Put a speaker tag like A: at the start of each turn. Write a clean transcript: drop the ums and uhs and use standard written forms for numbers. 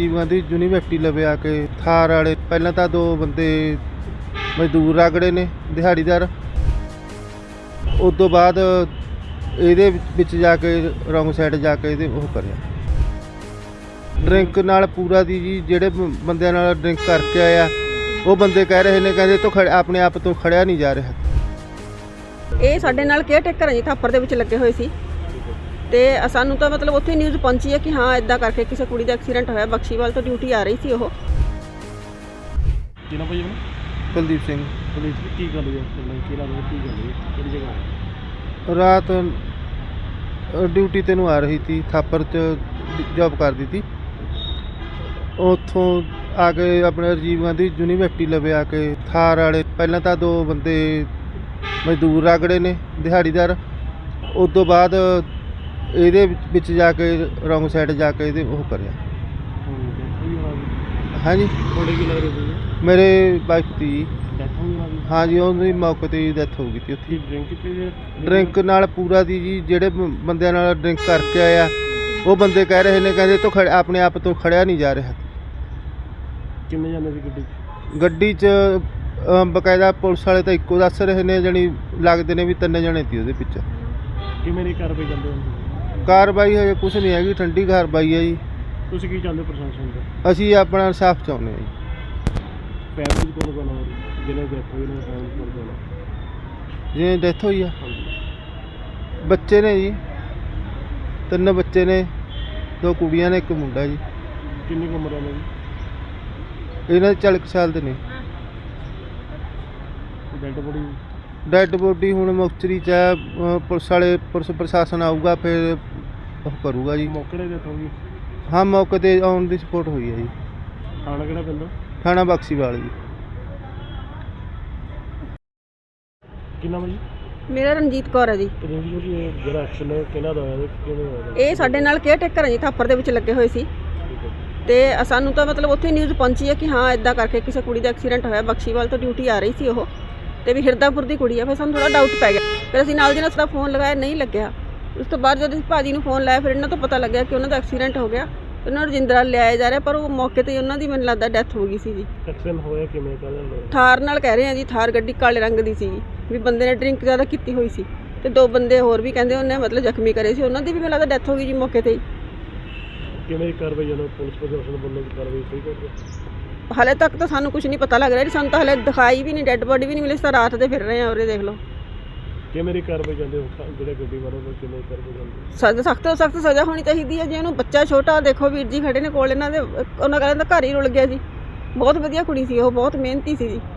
A: Rajiv ਗਾਂधी university ਲਵੇ ਆ ਕੇ ਥਾਰ ਵਾਲੇ ਪਹਿਲਾਂ ਤਾਂ ਦੋ ਬੰਦੇ ਮਜ਼ਦੂਰ ਰਗੜੇ ਨੇ ਦਿਹਾੜੀਦਾਰ। ਉਸ ਤੋਂ ਬਾਅਦ ਇਹਦੇ ਵਿੱਚ ਜਾ ਕੇ ਰੌਂਗ ਸਾਈਡ ਜਾ ਕੇ ਇਹਦੇ ਉਹ ਕਰਿਆ ਡਰਿੰਕ ਨਾਲ ਪੂਰਾ ਦੀ ਜੀ। ਜਿਹੜੇ ਬੰਦਿਆਂ ਨਾਲ ਡਰਿੰਕ ਕਰਕੇ ਆਇਆ ਉਹ ਬੰਦੇ ਕਹਿ ਰਹੇ ਨੇ ਕਹਿੰਦੇ ਤੋਂ ਆਪਣੇ ਆਪ ਤੋਂ ਖੜਿਆ ਨਹੀਂ ਜਾ ਰਿਹਾ।
B: ਇਹ ਸਾਡੇ ਨਾਲ ਕੇਅਰ ਟੇਕਰ ਹੈ ਜੀ, ਥਾਪਰ ਦੇ ਵਿੱਚ ਲੱਗੇ ਹੋਏ ਸੀ ਤੇ ਸਾਨੂੰ ਤਾਂ ਮਤਲਬ ਉੱਥੇ ਨਿਊਜ਼ ਪਹੁੰਚੀ ਹੈ ਕਿ ਹਾਂ ਇਦਾਂ ਕਰਕੇ ਕਿਸੇ ਕੁੜੀ ਦਾ ਐਕਸੀਡੈਂਟ ਹੋਇਆ। ਬਖਸ਼ੀਵਾਲ ਤੋਂ ਡਿਊਟੀ ਆ ਰਹੀ ਸੀ ਉਹ।
C: ਕਿਹਨਾਂ ਭਾਈ
A: ਕੁਲਦੀਪ ਸਿੰਘ।
C: ਪੁਲਿਸ ਕੀ ਗੱਲ ਹੋਈ ਕੀ ਲੱਗਦਾ ਕੀ ਗੱਲ ਹੋਈ ਕਿਹੜੀ ਜਗ੍ਹਾ?
A: ਰਾਤ ਡਿਊਟੀ ਤੇ ਨੂੰ ਆ ਰਹੀ ਸੀ, ਥਾਪਰ 'ਚ ਜੌਬ ਕਰਦੀ ਸੀ। ਉੱਥੋਂ ਆ ਕੇ ਆਪਣੇ ਰਾਜੀਵ ਗਾਂਧੀ ਯੂਨੀਵਰਸਿਟੀ ਲਵੇ ਆ ਕੇ ਥਾਰ ਵਾਲੇ ਪਹਿਲਾਂ ਤਾਂ ਦੋ ਬੰਦੇ ਮਜ਼ਦੂਰ ਰਗੜੇ ਨੇ ਦਿਹਾੜੀਦਾਰ। ਉਸ ਤੋਂ ਬਾਅਦ ਇਹਦੇ ਵਿੱਚ ਜਾ ਕੇ ਰੌਂਗ ਸਾਈਡ ਜਾ ਕੇ ਇਹਦੇ ਉਹ ਕਰਿਆ। ਹਾਂਜੀ
C: ਤੁਹਾਡੇ ਕੀ ਲੱਗਦਾ ਸੀ?
A: ਮੇਰੇ ਵਾਈਫ ਦੀ
C: ਡੈਥ ਹੋਈ ਉਹਨਾਂ ਦੀ?
A: ਹਾਂਜੀ ਉਹਦੀ ਮੌਕੇ 'ਤੇ ਹੀ ਡੈਥ ਹੋ ਗਈ ਸੀ ਉੱਥੇ।
C: ਡਰਿੰਕ ਕੀਤੀ?
A: ਡਰਿੰਕ ਨਾਲ ਪੂਰਾ ਦੀ ਜੀ। ਜਿਹੜੇ ਬੰਦਿਆਂ ਨਾਲ ਡਰਿੰਕ ਕਰਕੇ ਆਇਆ ਉਹ ਬੰਦੇ ਕਹਿ ਰਹੇ ਨੇ ਕਹਿੰਦੇ ਤੋਂ ਆਪਣੇ ਆਪ ਤੋਂ ਖੜਿਆ ਨਹੀਂ ਜਾ ਰਿਹਾ।
C: ਕਿੰਨੇ ਜਾਣੇ ਸੀ ਗੱਡੀ 'ਚ?
A: ਗੱਡੀ 'ਚ ਬਕਾਇਦਾ ਪੁਲਿਸ ਵਾਲੇ ਤਾਂ ਇੱਕੋ ਦੱਸ ਰਹੇ ਨੇ, ਜਾਣੀ ਲੱਗਦੇ ਨੇ ਵੀ 3 ਜਣੇ ਸੀ ਉਹਦੇ ਪਿੱਛੇ।
C: ਕਿਵੇਂ ਦੀ ਕਾਰਵਾਈ ਜਾਂਦੇ ਹੁੰਦੇ?
A: ਕਾਰਵਾਈ ਹਜੇ ਕੁਛ ਨਹੀਂ ਹੈਗੀ, ਠੰਡੀ ਕਾਰਵਾਈ ਹੈ ਜੀ।
C: ਤੁਸੀਂ ਕੀ ਚਾਹੁੰਦੇ ਪ੍ਰਸ਼ਾਸਨ ਤੋਂ?
A: ਅਸੀਂ ਆਪਣਾ ਇਨਸਾਫ ਚਾਹੁੰਦੇ ਹਾਂ ਜੀ।
C: ਫੈਮਿਲੀ ਕੋਲ ਕੋਲ ਜਿਹਨੇ ਡੈਥ ਹੋਈ ਉਹਨਾਂ ਫੈਮਿਲੀ ਕੋਲ ਕੋਲ
A: ਜਿਵੇਂ ਡੈਥ ਹੋਈ ਆ
C: ਹਾਂਜੀ
A: ਬੱਚੇ ਨੇ ਜੀ, 3 ਬੱਚੇ ਨੇ, 2 ਕੁੜੀਆਂ ਨੇ, 1 ਮੁੰਡਾ ਜੀ।
C: ਕਿੰਨੀ ਕੁ ਉਮਰ ਹੈ ਉਹਨਾਂ ਦੀ?
A: ਇਹਨਾਂ ਦੇ 40 ਸਾਲ ਦੇ ਨੇ। ਡੈਡ ਬੋਡੀ ਹੁਣ ਮੁਕਤਸਰੀ 'ਚ ਹੈ। ਪੁਲਿਸ ਪ੍ਰਸ਼ਾਸਨ ਆਊਗਾ ਫਿਰ ਉਹ ਕਰੂਗਾ ਜੀ।
C: ਮੌਕੇ 'ਤੇ ਡੈਥ ਹੋ ਗਈ?
A: ਹਾਂ ਮੌਕੇ 'ਤੇ ਆਉਣ ਦੀ ਸਪੋਰਟ ਹੋਈ ਹੈ ਜੀ।
C: ਥਾਣਾ ਕਿਹੜਾ ਪੈਂਦਾ?
A: ਥਾਣਾ ਬਖਸ਼ੀਵਾਲ ਜੀ।
C: ਕੀ ਨਾਮ ਹੈ ਜੀ?
B: ਮੇਰਾ ਰਣਜੀਤ ਕੌਰ ਹੈ ਜੀ।
C: ਜਿਹੜਾ ਐਕਸ਼ਨ ਹੈ ਕਿਹਨਾਂ ਦਾ ਹੋਇਆ ਕਿਵੇਂ ਹੋਇਆ?
B: ਇਹ ਸਾਡੇ ਨਾਲ ਕੇਅਰ ਟੇਕਰ ਹੈ ਜੀ, ਥਾਪਰ ਦੇ ਵਿੱਚ ਲੱਗੇ ਹੋਏ ਸੀ ਤੇ ਸਾਨੂੰ ਤਾਂ ਮਤਲਬ ਉੱਥੇ ਨਿਊਜ਼ ਪਹੁੰਚੀ ਹੈ ਕਿ ਹਾਂ ਇਦਾਂ ਕਰਕੇ ਕਿਸੇ ਕੁੜੀ ਦਾ ਐਕਸੀਡੈਂਟ ਹੋਇਆ। ਬਖਸ਼ੀਵਾਲ ਤੋਂ ਡਿਊਟੀ ਆ ਰਹੀ ਸੀ ਉਹ ਤੇ ਵੀ ਹਿਰਦਾਪੁਰ ਦੀ ਕੁੜੀ ਆ। ਫਿਰ ਸਾਨੂੰ ਥੋੜਾ ਡਾਊਟ ਪੈ ਗਿਆ। ਫਿਰ ਅਸੀਂ ਨਾਲ ਦੀ ਨਾਲ ਸਾਡਾ ਫੋਨ ਲਗਾਇਆ, ਨਹੀਂ ਲੱਗਿਆ। ਉਸ ਤੋਂ ਬਾਅਦ ਜਦੋਂ ਅਸੀਂ ਭਾਜੀ ਨੂੰ ਫੋਨ ਲਾਇਆ ਫਿਰ ਇਹਨਾਂ ਤੋਂ ਪਤਾ ਲੱਗਿਆ ਕਿ ਉਹਨਾਂ ਦਾ ਐਕਸੀਡੈਂਟ ਹੋ ਗਿਆ। ਉਹਨਾਂ ਨੂੰ ਰਜਿੰਦਰਾ ਲਿਆਇਆ ਜਾ ਰਿਹਾ, ਪਰ ਉਹ ਮੌਕੇ 'ਤੇ ਉਹਨਾਂ ਦੀ ਮੈਨੂੰ ਲੱਗਦਾ ਡੈਥ ਹੋ ਗਈ ਸੀ ਜੀ।
C: ਐਕਸੀਡੈਂਟ ਹੋਇਆ ਕਿਵੇਂ?
B: ਥਾਰ ਨਾਲ ਕਹਿ ਰਹੇ ਆ ਜੀ। ਥਾਰ ਗੱਡੀ ਕਾਲੇ ਰੰਗ ਦੀ ਸੀ ਜੀ, ਵੀ ਬੰਦੇ ਨੇ ਡਰਿੰਕ ਜ਼ਿਆਦਾ ਕੀਤੀ ਹੋਈ ਸੀ ਤੇ 2 ਬੰਦੇ ਹੋਰ ਵੀ ਕਹਿੰਦੇ ਉਹਨੇ ਮਤਲਬ ਜ਼ਖਮੀ ਕਰੇ ਸੀ। ਉਹਨਾਂ ਦੀ ਵੀ ਮੈਨੂੰ ਲੱਗਦਾ ਡੈਥ ਹੋ ਗਈ ਜੀ ਮੌਕੇ 'ਤੇ ਹੀ।
C: ਕਿਵੇਂ ਦੀ ਕਾਰਵਾਈ ਜਦੋਂ ਪੁਲਿਸ ਪ੍ਰਸ਼ਾਸਨ ਵੱਲੋਂ ਕਾਰਵਾਈ ਸਹੀ ਕਰ ਰਿਹਾ?
B: ਹਾਲੇ ਤੱਕ ਤਾਂ ਸਾਨੂੰ ਕੁਝ ਨਹੀਂ ਪਤਾ ਲੱਗ ਰਿਹਾ ਜੀ। ਸਾਨੂੰ ਤਾਂ ਹਾਲੇ ਦਿਖਾਈ ਵੀ ਨਹੀਂ, ਡੈੱਡ ਬੋਡੀ ਵੀ ਨਹੀਂ ਮਿਲੀ। ਤਾਂ ਰਾਤ ਦੇ ਫਿਰ ਰਹੇ ਆ ਉਰੇ, ਦੇਖ ਲਓ।
C: ਕਿਵੇਂ ਦੀ ਕਾਰਵਾਈ ਜਾਂਦੇ ਹੋ ਜਿਹੜੇ ਗੱਡੀ ਵਾਲੇ ਨੂੰ? ਕਿਵੇਂ ਕਾਰਵਾਈ ਜਾਂਦੇ?
B: ਸਖਤ ਤੋਂ ਸਖਤ ਸਜ਼ਾ ਹੋਣੀ ਚਾਹੀਦੀ ਹੈ ਜੀ ਉਹਨੂੰ। ਬੱਚਾ ਛੋਟਾ ਦੇਖੋ, ਵੀਰ ਜੀ ਖੜੇ ਨੇ ਕੋਲ ਇਹਨਾਂ ਦੇ, ਉਹਨਾਂ ਕਹਿੰਦਾ ਘਰ ਹੀ ਰੁਲ ਗਿਆ ਜੀ। ਬਹੁਤ ਵਧੀਆ ਕੁੜੀ ਸੀ ਉਹ, ਬਹੁਤ ਮਿਹਨਤੀ ਸੀ ਜੀ।